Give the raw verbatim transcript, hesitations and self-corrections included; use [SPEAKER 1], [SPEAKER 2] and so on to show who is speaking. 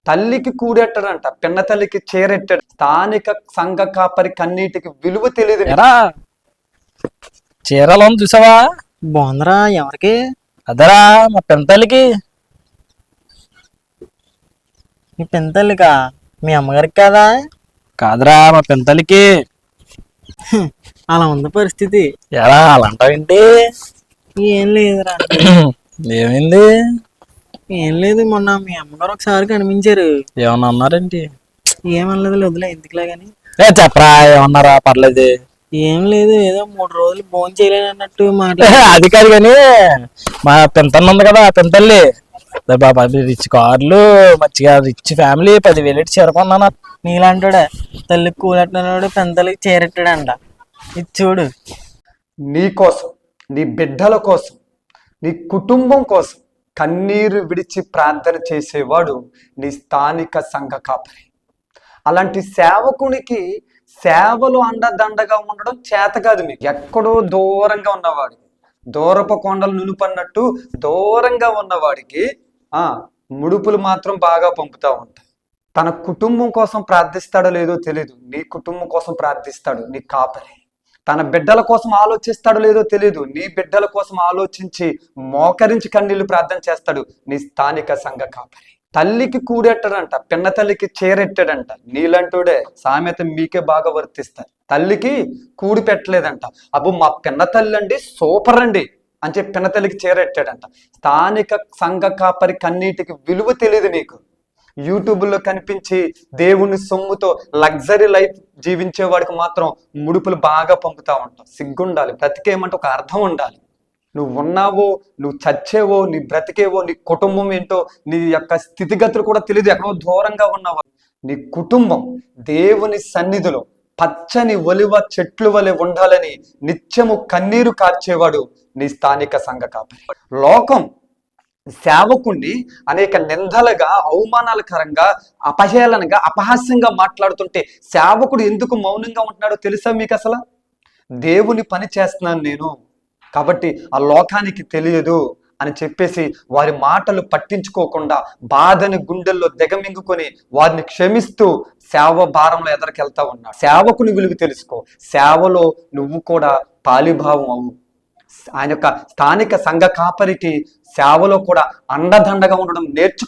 [SPEAKER 1] తల్లికి కూడెట్టడంట, పిన్న తల్లికి చేరెట్టాడు. స్థానిక సంఘ కాపరి కన్నీటికి విలువ తెలియదు.
[SPEAKER 2] ఎరా చీరలో చూసావా?
[SPEAKER 3] బాగుందిరా. ఎవరికి?
[SPEAKER 2] అదరా మా పెంతల్లికి.
[SPEAKER 3] మీ పెంతల్లికా? మీ అమ్మగారికి కాదా?
[SPEAKER 2] కాదురా మా పెంతల్లికి.
[SPEAKER 3] అలా ఉంది పరిస్థితి.
[SPEAKER 2] ఎరా అలా అంటావేంటి?
[SPEAKER 3] ఏం లేదురా.
[SPEAKER 2] ఏమైంది?
[SPEAKER 3] ఏం లేదు, మొన్న మీ అమ్మగారు ఒకసారి కనిపించారు.
[SPEAKER 2] ఏమన్నా అన్నారేంటి?
[SPEAKER 3] ఏమనలేదు, వదిలే ఎందుకులే గాని.
[SPEAKER 2] ఏ చెప్పరా, ఏమన్నారా? పర్లేదు.
[SPEAKER 3] ఏం లేదు, ఏదో మూడు రోజులు భోజనం చేయలేను అన్నట్టు మాట.
[SPEAKER 2] అది కాదు కానీ మా పెంతన్న ఉంది కదా, పెంతల్లి బాబా రిచ్ కార్లు, మంచిగా రిచ్ ఫ్యామిలీ, పదివేలు ఇచ్చి చేరుకున్నాను.
[SPEAKER 3] నీలాంటాడే తల్లికి కూలెట్టినాడు, పెంతల్లికి చేరెట్టాడంట. ఇది చూడు.
[SPEAKER 1] నీ కోసం, నీ బిడ్డల కోసం, నీ కుటుంబం కోసం కన్నీరు విడిచి ప్రార్థన చేసేవాడు నీ స్థానిక సంఘ కాపరి. అలాంటి సేవకునికి సేవలు అండదండగా ఉండడం చేత కాదు. మీకు ఎక్కడో దూరంగా ఉన్నవాడికి, దూరపు కొండలు నునుపన్నట్టు దూరంగా ఉన్నవాడికి ఆ ముడుపులు మాత్రం బాగా పంపుతూ ఉంటాయి. తన కుటుంబం కోసం ప్రార్థిస్తాడో లేదో తెలియదు, నీ కుటుంబం కోసం ప్రార్థిస్తాడు నీ కాపరి. తన బిడ్డల కోసం ఆలోచిస్తాడో లేదో తెలియదు, నీ బిడ్డల కోసం ఆలోచించి మోకరించి కన్నీళ్లు ప్రార్థన చేస్తాడు నీ స్థానిక సంఘ కాపరి. తల్లికి కూడెట్టడంట, పిన్న తల్లికి చేరెట్టాడంట. నీలంటూడే సామెత మీకే బాగా వర్తిస్తారు. తల్లికి కూడి పెట్టలేదంట. అబ్బు మా పిన్న తల్లి అండి సూపర్ అండి అని చెప్పి పిన్న తల్లికి చేరెట్టాడంట. స్థానిక సంఘ కాపరి కన్నీటికి విలువ తెలియదు నీకు. యూట్యూబ్లో కనిపించి దేవుని సొమ్ముతో లగ్జరీ లైఫ్ జీవించే వాడికి మాత్రం ముడుపులు బాగా పంపుతా ఉంటాం. సిగ్గుండాలి, బ్రతికేమంటే ఒక అర్థం ఉండాలి. నువ్వు ఉన్నావో, నువ్వు చచ్చేవో, నీ బ్రతికేవో, నీ కుటుంబం ఏంటో, నీ యొక్క స్థితిగతులు కూడా తెలియదు. ఎక్కడో దూరంగా ఉన్నావో. నీ కుటుంబం దేవుని సన్నిధిలో పచ్చని ఒలివ చెట్లు వలె ఉండాలని నిత్యము కన్నీరు కార్చేవాడు నీ స్థానిక సంఘ కాపరి. లోకం సేవకుణ్ణి అనేక నిందలుగా, అవమానాలకరంగా, అపహేళనగా, అపహాస్యంగా మాట్లాడుతుంటే సేవకుడు ఎందుకు మౌనంగా ఉంటున్నాడో తెలుసా మీకు? అసలు దేవుని పని చేస్తున్నాను నేను కాబట్టి ఆ లోకానికి తెలియదు అని చెప్పేసి వారి మాటలు పట్టించుకోకుండా బాధని గుండెల్లో దిగమింగుకొని వారిని క్షమిస్తూ సేవ భారంలో ఎదరికెళ్తా ఉన్నాడు. సేవకుని విలువ తెలుసుకో, సేవలో నువ్వు కూడా పాలిభావం అవు. ఆయన యొక్క స్థానిక సంఘ కాపరికి సేవలో కూడా అండదండగా ఉండడం నేర్చు.